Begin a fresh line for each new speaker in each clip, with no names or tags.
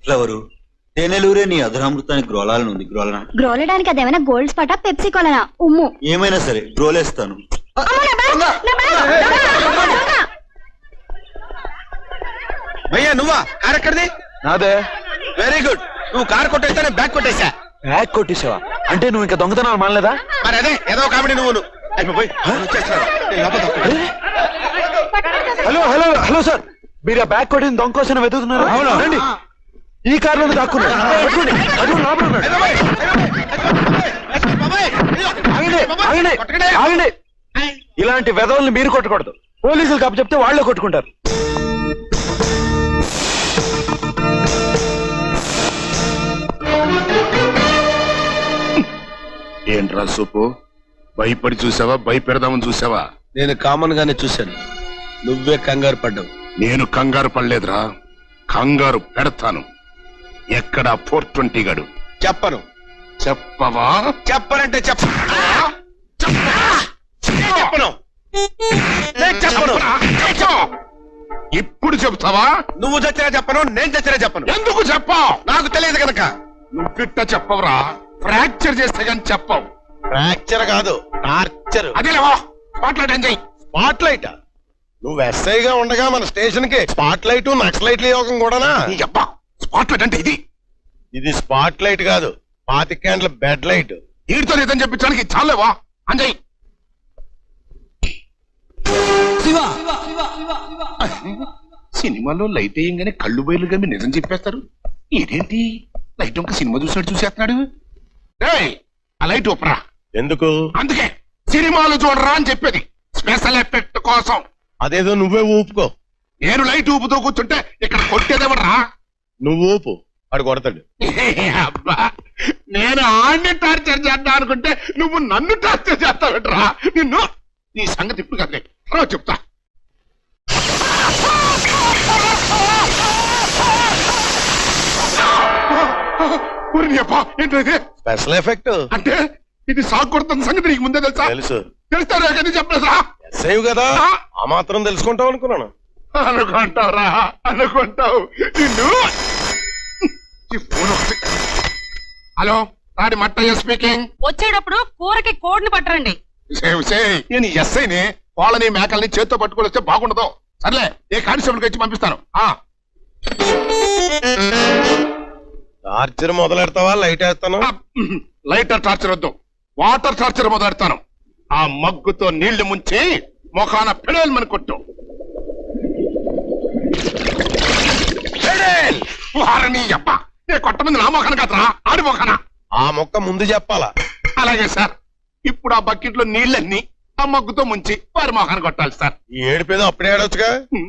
Flower తేనెలూరే నీ అధరామృతానికి గ్రోలాలనుంది.
గ్రోలడానికి అదేమైనా gold Sparta Pepsi కొలనా ఉమ్ము
ఏమైనా సరే గ్రోలేస్తాను.
భయ్యా నువ్వా? కార్ ఎక్కడిది?
నాదే.
Very good. నువ్వు కార్ కొట్టేస్తే నేను బ్యాగ్ కొట్టేశా.
బ్యాగ్ కొట్టేసావా? అంటే నువ్వు ఇంకా దొంగతనాలు మానలేదా?
మరి అదే ఏదో కామెడీ నువ్వు.
హలో హలో హలో సార్, మీరు ఆ బ్యాగ్ కొట్టిన దొంగ కోసం వెతుకుతున్నారు. రండి, ఈ కార్లోనే దాక్కున్నారు. ఆగండి. ఇలాంటి వెధవల్ని మీరు కొట్టకూడదు. పోలీసులు కప్పు చెప్తే వాళ్ళే కొట్టుకుంటారు.
ఏంట్రా సూపు, భయపడి చూసావా భయపెడదామని చూసావా?
నేను కామన్ గానే చూశాను, నువ్వే కంగారు పడ్డావు.
నేను కంగారు పడలేదురా, కంగారు పెడతాను. ఎక్కడా 420 గడు?
చెప్పను.
చెప్పవా?
చెప్పనంటే చెప్పను.
ఇప్పుడు చెప్తావా?
నువ్వు చచ్చినా చెప్పను, నేను చచ్చినా చెప్పను.
ఎందుకు చెప్పావు?
నాకు తెలియదు కనుక.
నువ్విట్ట చెప్పవురా, ఫ్రాక్చర్ చేస్తే గాని చెప్పవు.
ఫ్రాక్చర్ కాదు, టార్చర్.
అదేలేవా మాట్లాడేం చెయ్యి.
Spot light. నువ్వు ఎస్ఐగా ఉండగా మన స్టేషన్ కి స్పాట్ లైట్ నక్సలైట్ల యోగం కూడానా?
స్పాట్ లైట్ అంటే
ఇది స్పాట్ లైట్ కాదు, 25 క్యాండ్ల బెడ్ లైట్.
వీడితో నిజం చెప్పించడానికి చాలేవా అంజయ్? సినిమాలో లైట్ వేయంగానే కళ్ళు బయలు గమ్మి నిజం చెప్పేస్తారు. ఇదేంటి లైట్ ఒక సినిమా చూసినట్టు చూసేస్తున్నాడు. ఆ లైట్ ఒప్పరా.
ఎందుకు?
అందుకే సినిమాలు చూడరా అని చెప్పేది, స్పెషల్ ఎఫెక్ట్ కోసం.
అదేదో నువ్వే ఊపుకో.
నేను లైట్ ఊపుతూ కూర్చుంటే ఇక్కడ కొట్టేదేవడరా?
నువ్వు ఊపు, వాడు కొడతాడు.
అబ్బా, నేను ఆడిని టార్చర్ చేద్దాం అనుకుంటే నువ్వు నన్ను టార్చర్ చేస్తావుట్రా. నిన్ను నీ సంగతి ఇప్పుడు కదలే, తర్వాత చెప్తా. ఏంటది?
స్పెషల్ ఎఫెక్ట్
అంటే ఇది సాగు కొడుతున్న సంగతి నీకు ముందే తెలుసా?
తెలుసు.
తెలుస్తారా కదా చెప్పలేదా?
ఎస్ఐ కదా, ఆ మాత్రం తెలుసుకుంటావు అనుకున్నాను.
అనుకుంటావురా, అనుకుంటావు. నిన్ను హలో, రాడి మట్టయ్య స్పీకింగ్.
వచ్చేటప్పుడు కూరకి కోడిని పట్టరండి.
నేను ఎస్ఐని, వాళ్ళని మేకల్ని చేత్తో పట్టుకొని వస్తే బాగుండదు. సర్లే, ఏ కానిస్టేబుల్ ఇచ్చి పంపిస్తాను.
టార్చర్ మొదలెడతావా? లైట్ వేస్తాను.
లైటర్ టార్చర్ వద్దు, వాటర్ టార్చర్ మొదలెడతాను. ఆ మగ్గుతో నీళ్లు ముంచి మొఖాన పెడేల్మని కొట్టు. వారని అబ్బ, ఏ కొట్టమంది నా మొఖాన కదరా, ఆడి మొఖాన.
ఆ మొక్క ముందు చెప్పాలా?
అలాగే సార్. ఇప్పుడు ఆ బకెట్ లో నీళ్ళన్నీ ఆ మగ్గుతో ముంచి వారి మొఖాన కొట్టాలి సార్.
ఈ ఏడుపేదో అప్పుడే ఆడొచ్చుగా.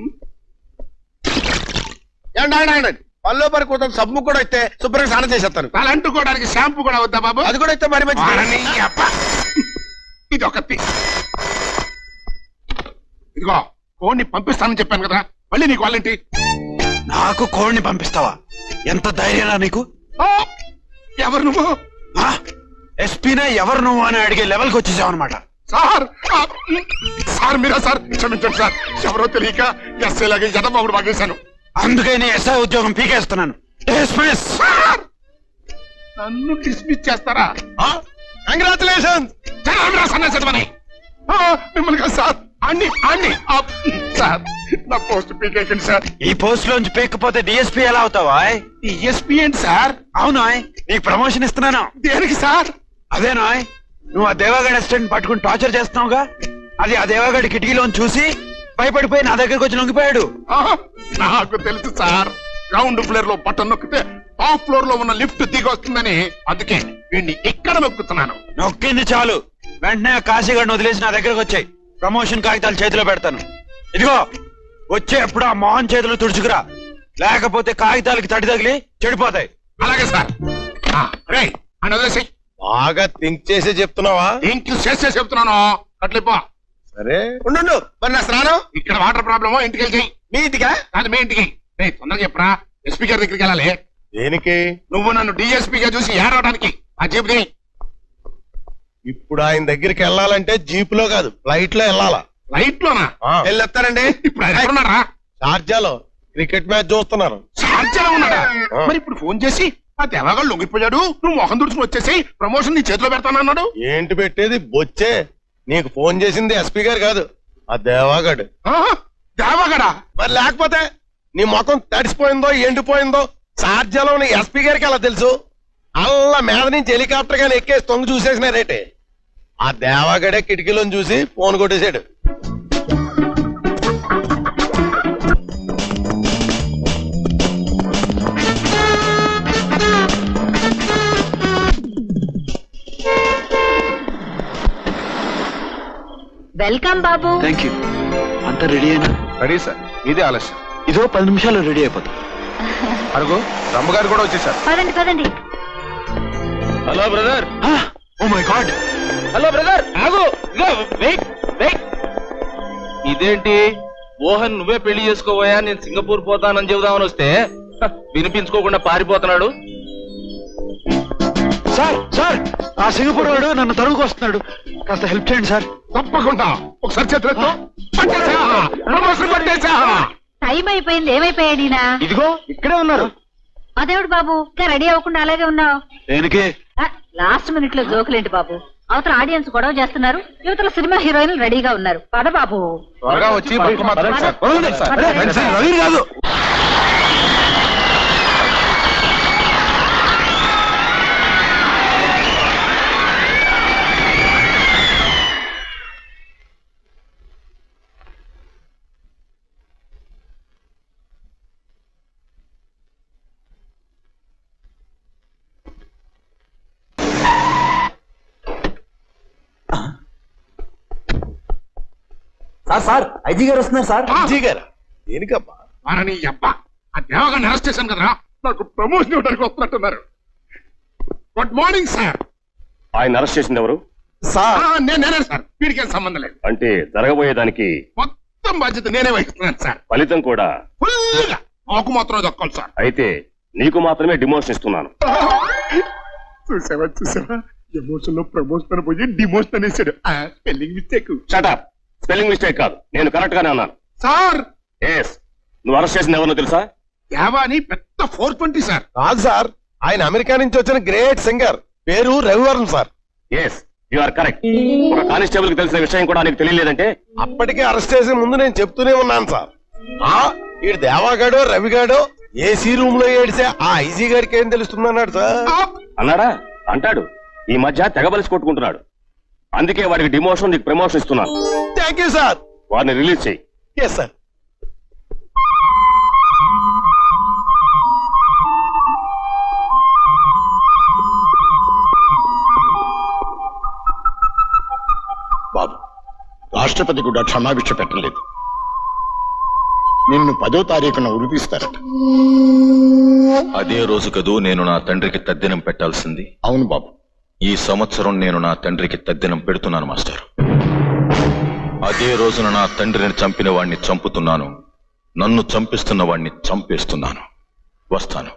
పల్లో పరి కూతురు సబ్బు కూడా అయితే శుభ్రంగా స్నానం చేసేస్తాను.
తల అంటుకోవడానికి షాంపూ కూడా వద్దా బాబు?
అది కూడా అయితే మరి మంచిది.
ఇది ఒకటి. ఇదిగో కోడిని పంపిస్తానని చెప్పాను కదా, మళ్ళీ నీకు వాళ్ళేంటి?
నాకు కోడిని పంపిస్తావా? ఎంత ధైర్యనా నీకు?
ఎవరు నువ్వు?
ఎస్పీనే ఎవరు నువ్వు అని అడిగే లెవెల్కి వచ్చేసావు అనమాట.
సార్, సార్ మీరా సార్? క్షమించండి సార్, ఎవరో తెలియక ఎస్ఐ లాగే జనబాబుడు బాగేశాను.
అందుకే నీ ఎస్ఐ ఉద్యోగం పీకేస్తున్నాను.
నన్ను డిస్మిస్ చేస్తారా?
కంగ్రాచులేషన్స్.
మిమ్మల్ని కాదు సార్, అన్ని అన్ని సార్, నా పోస్ట్ పీకేకండి సార్.
ఈ పోస్ట్ లోంచి పీకపోతే డిఎస్పీ ఎలా అవుతావా?
డిఎస్పీ ఏంటి సార్?
అవునా, నీకు ప్రమోషన్ ఇస్తున్నాను.
దేనికి సార్?
అదేనా, నువ్వు ఆ దేవాగడ్ అసిస్టెంట్ పట్టుకుని టార్చర్ చేస్తున్నావుగా, అది ఆ దేవాగడ్ కిటికీలోని చూసి భయపడిపోయి నా దగ్గరకు వచ్చి లొంగిపోయాడు.
నాకు తెలుసు సార్, గ్రౌండ్ ఫ్లోర్ లో బటన్ నొక్కితే టాప్ ఫ్లోర్ లో ఉన్న లిఫ్ట్ దిగి వస్తుందని. అందుకే వీడిని ఇక్కడ నొక్కుతున్నాను.
నొక్కింది చాలు, వెంటనే కాశీగడ్ని వదిలేసి నా దగ్గరకు వచ్చాయి. ప్రమోషన్ కాగితాలు చేతిలో పెడతాను. ఇదిగో వచ్చే ఎప్పుడు ఆ మోహన్ చేతులు తుడుచుకురా, లేకపోతే కాగితాలకి తడి తగిలి చెడిపోతాయి.
అలాగే సార్. అని వదిలేసి.
బాగా థింక్ చేసే చెప్తున్నావా?
ఇంక చేసే చెప్తున్నాను. అట్లేపో.
సరే ఉండు, మరి నా స్నానం
ఇక్కడ వాటర్ ప్రాబ్లమో ఇంటికి వెళ్ళి.
మీ ఇంటికా?
కాదు, మీ ఇంటికి. తొందరగా చెప్పరా, ఎస్పీ గారి దగ్గరికి వెళ్ళాలి.
దేనికి?
నువ్వు నన్ను డిఎస్పీగా చూసి ఏడవడానికి. ఆ జీప్
ఇప్పుడు ఆయన దగ్గరికి వెళ్ళాలంటే జీప్ లో కాదు, ఫ్లైట్ లో వెళ్ళాలా.
ఫ్లైట్ లోనా?
వెళ్ళొస్తారండి.
ఇప్పుడు ఆయన ఎక్కడున్నారా?
షార్జాలో క్రికెట్ మ్యాచ్ చూస్తున్నారు.
టార్చర్ ఉన్నాడా మరి ఇప్పుడు ఫోన్ చేసి ఆ దేవాగాడు లొంగిపోయాడు నువ్వు మొహం తుడుచుకుని వచ్చేసి ప్రమోషన్ నీ చేతిలో పెడతానన్నాడు.
ఏంటి పెట్టేది బొచ్చే? నీకు ఫోన్ చేసింది ఎస్పీ గారు కాదు, ఆ దేవాగాడు.
ఆహా, దేవాగాడా?
మరి లేకపోతే నీ ముఖం తడిసిపోయిందో ఎండిపోయిందో సార్జలం ఎస్పీ గారికి అలా తెలుసు. అల్లా మీద నుంచి హెలికాప్టర్ గాని ఎక్కేసి తొంగి చూసేసినారేటే. ఆ దేవాగడే కిటికీలోని చూసి ఫోన్ కొట్టేశాడు.
వెల్కమ్ బాబు.
Thank you. అంతా రెడీ అయినా?
రెడీ సార్, ఇదే ఆలస్యం.
ఇదో 10 నిమిషాల్లో రెడీ అయిపోతా.
అడుగు రమ్మగారు కూడా వచ్చేసారు.
పదండి పదండి.
Hello brother.
Oh my god.
Hello brother, ఆగు. Wait wait. ఇదేంటి మోహన్ నువ్వే పెళ్లి చేసుకోబోయా, నేను సింగపూర్ పోతానని చెబుదామని వస్తే వినిపించుకోకుండా పారిపోతున్నాడు.
సార్ సార్, ఆ సింగపూర్ వాడు నన్ను తరువుకు వస్తున్నాడు, కాస్త హెల్ప్ చేయండి సార్.
తప్పకుండా. ఒకసారి చేతులతో పట్టేసా, ప్రమోషన్ పట్టేసా.
టైం అయిపోయింది. ఏమైపోయాడు ఈయన?
ఇదిగో ఇక్కడే ఉన్నారు.
అదేవిడు బాబు, ఇంకా రెడీ అవ్వకుండా అలాగే ఉన్నావు.
దేనికి?
లాస్ట్ మినిట్ లో జోకులేంటి బాబు? అవతల ఆడియన్స్ గొడవ చేస్తున్నారు, యువతల సినిమా హీరోయిన్లు రెడీగా ఉన్నారు. పద బాబు.
త్వరగా వచ్చి బతుకు మాత్రం సార్.
రవి కాదు.
సార్ ఐజీ గారు వస్తున్నారు సార్.
అజ్జీ గారా? దేనికబ్బా?
వారని అబ్బా, ఆ దేవగారిని అరెస్ట్ చేశాను కదరా, నాకు ప్రమోషన్ ఇవ్వడానికి వస్తున్నట్టున్నారు. Good morning sir.
ఆయన అరెస్ట్ చేసింది ఎవరు?
సార్
నేనే సార్, వీడికి ఏం సంబంధం లేదు.
అంటే జరగబోయేదానికి
మొత్తం బాధ్యత నేనే వహిస్తున్నాను సార్.
ఫలితం కూడా
ఫుల్గా మాకు మాత్రం దక్కాలి సార్.
అయితే నీకు మాత్రమే డిమోషన్ ఇస్తున్నాను.
చూసావా ఎమోషన్ లో ప్రమోషన్ పోయి డిమోషన్ అనేసాడు. Spelling mistake.
Shut up. Spelling mistake కాదు, నేను కరెక్ట్ గానే అన్నాను.
Sir
yes. నువ్వు అరెస్ట్ చేసింది ఎవరినో తెలుసా?
దేవాని పెద్ద 420 సార్.
కాదు సార్, ఆయన అమెరికా నుంచి వచ్చిన గ్రేట్ సింగర్, పేరు Ravi Varma sir.
Yes, you are correct. ఒక కానిస్టేబుల్ కి తెలిసిన విషయం కూడా నీకు తెలియలేదంటే?
అప్పటికే అరెస్ట్ చేసే ముందు నేను చెప్తూనే ఉన్నాను సార్. ఈ దేవాగాడో రవిగాడో ఏసీ రూమ్ లో ఏడిసే ఆ ఐజీ గారికి ఏం తెలుస్తుందన్నాడు సార్.
అన్నాడా? అంటాడు. ఈ మధ్య తెగబలిసి కొట్టుకుంటున్నాడు. అందుకే వాడికి డిమోషన్, నీకు ప్రమోషన్ ఇస్తున్నాను.
Thank you sir.
వాడిని రిలీజ్ చేయి.
Yes sir.
బాబు, రాష్ట్రపతి కూడా క్షమాభిక్ష పెట్టలేదు. నిన్ను 10వ తారీఖున ఉరిపిస్తారట.
అదే రోజు కదూ నేను నా తండ్రికి తద్దినం పెట్టాల్సింది.
అవును బాబు.
ఈ సంవత్సరం నేను నా తండ్రికి తద్దినం పెడుతున్నాను మాస్టర్. అదే రోజున నా తండ్రిని చంపిన వాణ్ణి చంపుతున్నాను, నన్ను చంపిస్తున్న వాణ్ణి చంపేస్తున్నాను. వస్తాను.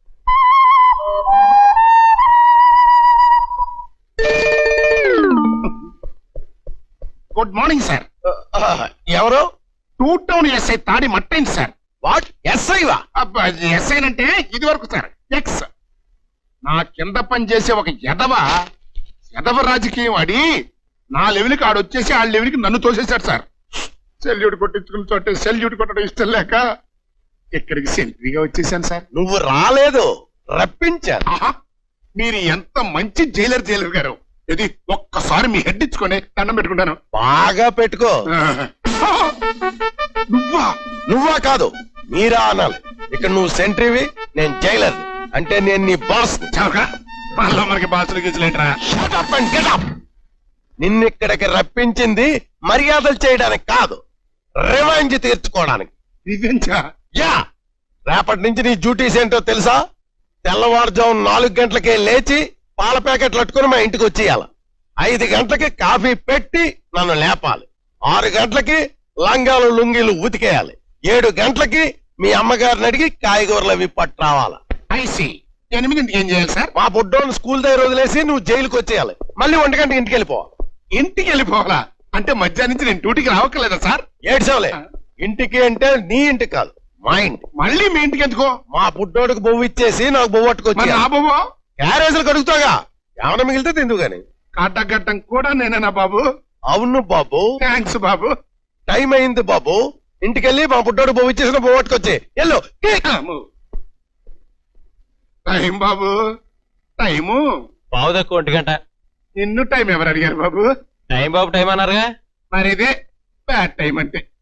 Good morning sir.
ఎవరు?
2 టౌన్ ఎస్ఐ తాడి మట్టైంది సార్.
వాట్? ఎస్ఐవా?
ఎస్ఐ అంటే ఇది వరకు సార్ ఎక్స్. నా కింద పనిచేసే ఒక ఎదవ రాజకీయం ఆడి నా లెవెల్కి ఆడొచ్చేసి ఆ లెవెల్కి నన్ను తోసేశాడు సార్. సెల్యూట్ కొట్టించుకున్న చోటే సెల్యూట్ కొట్టడం ఇష్టం లేక ఇక్కడికి సెంట్రీగా వచ్చేసాను సార్.
నువ్వు రాలేదు, రప్పించాను.
ఆహా, మీరు ఎంత మంచి జైలర్ గారు. ఇది ఒక్కసారి మీ హెడ్ ఇచ్చుకొని దండం పెట్టుకుంటాను.
బాగా పెట్టుకో. నువ్వా కాదు, మీరా అనాలి. ఇక్కడ నువ్వు సెంట్రీవి, నేను జైలర్. అంటే నేను నీ బాస్.
మళ్ళా మనకి బాసులు గీసులేంట్రా.
నిన్నిక్కడికి రప్పించింది మర్యాదలు చేయడానికి కాదు, రివెంజ్ తీర్చుకోవడానికి.
రివెంజా?
యా. రేపటి నుంచి నీ డ్యూటీస్ ఏంటో తెలుసా? తెల్లవారుజాము 4 గంటలకే లేచి పాల ప్యాకెట్లు అట్టుకుని మా ఇంటికి వచ్చేయాలి. 5 గంటలకి కాఫీ పెట్టి నన్ను లేపాలి. 6 గంటలకి లంగాలు లుంగీలు ఉతికేయాలి. 7 గంటలకి మీ అమ్మగారిని అడిగి కాయగూరలు అవి పట్టు రావాలి.
ఐసి 8ంటికి ఏం చేయాలి సార్?
మా బుడ్డోని స్కూల్ దగ్గర వదిలేసి నువ్వు జైలుకి వచ్చేయాలి. మళ్ళీ 1 గంటకి ఇంటికి వెళ్ళిపోవాలి.
ఇంటికి వెళ్ళిపోవాలా? అంటే మధ్యాహ్నం నుంచి నేను డ్యూటీకి రావక్కర్లేదా సార్?
ఏడ్చవలే. ఇంటికి అంటే నీ ఇంటికి కాదు, మా ఇంటి
మళ్ళీ మీ ఇంటికి ఎందుకో?
మా పుట్టోడికి బొవ్వు ఇచ్చేసి నాకు బొవ్వు
మరి
పట్టుకొచ్చి
నా బాబు
క్యారేజీలు కడుగుతాగా ఏమైనా మిగిలితే తిందు గాని.
కట్టగట్టం కూడా నేనేనా బాబు?
అవును బాబు,
థ్యాంక్స్ బాబు.
టైం అయింది బాబు. ఇంటికెళ్ళి మా పుట్టోడు బొవ్వు ఇచ్చేసిన బొవ్వు పట్టుకొచ్చి ఎల్లో.
టైం బాబు, టైము.
పావు తక్కువ 1 గంట.
నిన్ను టైం ఎవరు అడిగారు బాబు?
టైం బాబు టైం అన్నారుగా.
మరి ఇదే బ్యాడ్ టైం అంటే.